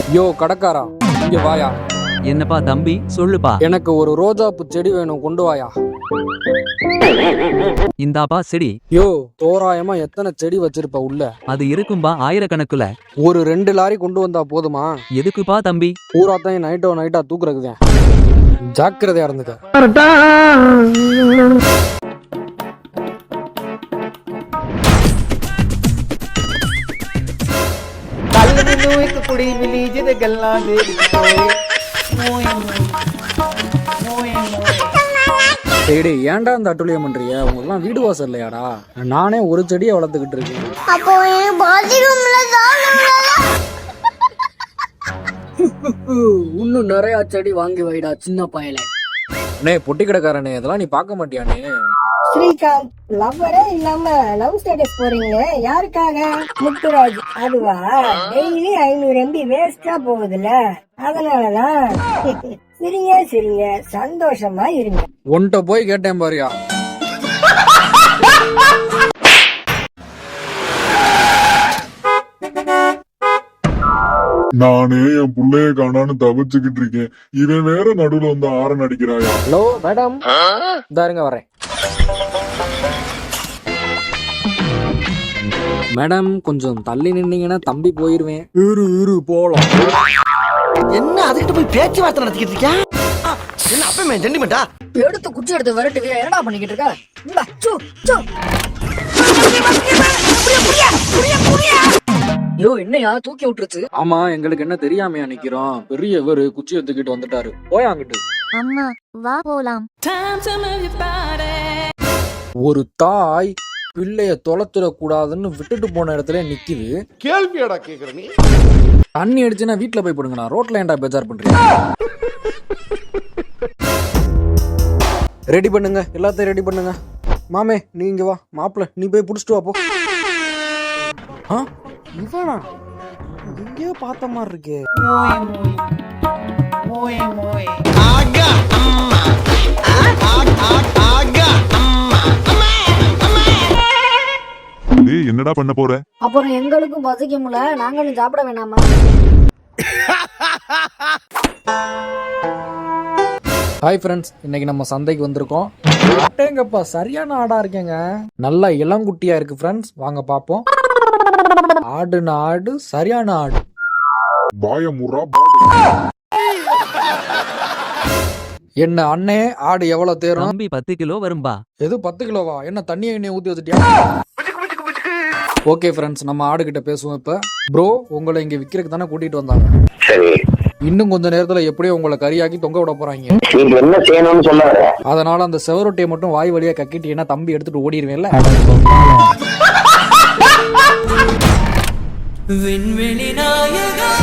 யோ கடைக்காரா, இங்க வாயா. என்னப்பா தம்பி, சொல்லுப்பா. எனக்கு ஒரு ரோஜாப்பூ செடி வேணும், கொண்டு வாயா. இந்தாப்பா செடி. யோ, தோராயமா எத்தனை செடி வச்சிருப்ப உள்ள? அது இருக்கும்பா, ஆயிரக்கணக்குல. ஒரு 2 லாரி கொண்டு வந்தா போதுமா? எதுக்குப்பா தம்பி? பூராத்தையும் நைட்டா தூக்குறதுதான். ஜாக்கிரதையா இருந்துக்க. कुड़ी मिली जिद गल्ला दे டேய், ஏன்டா இந்த அட்டுழியம் பண்றீங்க? உங்களுக்குலாம் வீடு வாசல் இல்லையாடா? நானே ஒரு செடியை வளர்த்துக்கிட்டு இருக்கேன். அப்போ இன்னும் நிறைய செடி வாங்கி வைடா சின்ன பயல. அண்ணே பொட்டி கடைக்காரனே, இதெல்லாம் நீ பார்க்க மாட்டியானே? ஸ்ரீகாந்த் லவ்வரே இல்லாம லவ் ஸ்டேட்டஸ் போறீங்களே, யாருக்காக? முத்துராஜ் அதுவா? டெய்லி 500 MB வேஸ்டா போகுதுல, அதனாலதான். சிரிங்க சந்தோஷமா இருங்க. உன்கிட்ட போய் கேட்டேன் பாரியா. நானே என் புள்ளைய காணான்னு தவிச்சுக்கிட்டு இருக்கேன், இவன் வேற நடுவுல வந்து ஆரன் அடிக்கிறாயா. ஹலோ மேடம், இதாருங்க வரேன். மேடம் கொஞ்சம் தள்ளி நின்னீங்கன்னா தம்பி போயிருவேன். இரு போலாம். என்ன அதுக்கிட்ட போய் பேச்சுவார்த்தை நடத்திக்கிட்டு இருக்கியா? என்ன அப்பமே ஜெண்டிமெண்டா? எடுத்து குச்சி எடுத்து விரட்டுவியா? என்னடா பண்ணிக்கிட்டு இருக்க? யோ, என்னையா தூக்கி விட்டுருச்சு? ஆமா, எங்களுக்கு என்ன தெரியாமையா நிக்கிறோம்? பெரியவர் குச்சி எடுத்துக்கிட்டு வந்துட்டாரு. போயாங்கிட்டு. அம்மா வா போலாம். ஒரு தாய் பிள்ளைய தொலைச்சிடக்கூடாதுன்னு விட்டுட்டு போன இடத்துல நிக்குது. கேள்வியாடா கேக்குற நீ? தண்ணி அடிச்சுன்னா வீட்டுல போய் போடுங்கண்ணா, ரோட்ல ஏன்டா பேஜார் பண்றீங்க? ரெடி பண்ணுங்க, எல்லாத்தையும் ரெடி பண்ணுங்க. மாமே நீங்க வா, மாப்பிள்ள நீ போய் புடிச்சிட்டு வா போ. இவனா எங்கேயோ பார்த்த மாதிரி இருக்கே. என்னடா பண்ண போற? அப்புறம் எங்களுக்கும் பசிக்கும்ல, நாங்களும் சாப்பிட வேணாமா? ஹாய் ஃப்ரெண்ட்ஸ், இன்னைக்கு நம்ம சந்தைக்கு வந்திருக்கோம். அட்டேங்கப்பா, சரியான ஆடா இருக்கேங்க. நல்லா இளங்குட்டியா இருக்கு ஃப்ரெண்ட்ஸ், வாங்க பாப்போம். ஆடு சரியான ஆடு. பாயமுறா என்ன அண்ணே, ஆடு எவ்வளவு தேரும்? தம்பி 10 கிலோ வரும்பா. எது 10 கிலோவா? என்ன தண்ணியை எண்ணெய் ஊத்தி வச்சுட்டியா? ஓகே ஃப்ரெண்ட்ஸ், நம்ம ஆடு கிட்ட பேசுவோம் இப்ப. ப்ரோ, உங்களை இங்க விக்கிறதுக்கு தானே கூட்டிட்டு வந்தாங்க. சரி, இன்னும் கொஞ்ச நேரத்துல எப்படியோ உங்களை கறியாக்கி தொங்க விட போறாங்க. நீங்க என்ன செய்யணும்னு சொல்லாத. அதனால அந்த செவரொட்டியை மட்டும் வாய் வழியா கக்கிட்டீங்கன்னா தம்பி எடுத்துட்டு ஓடிடுவேன்ல. விண்வெளி நாயகா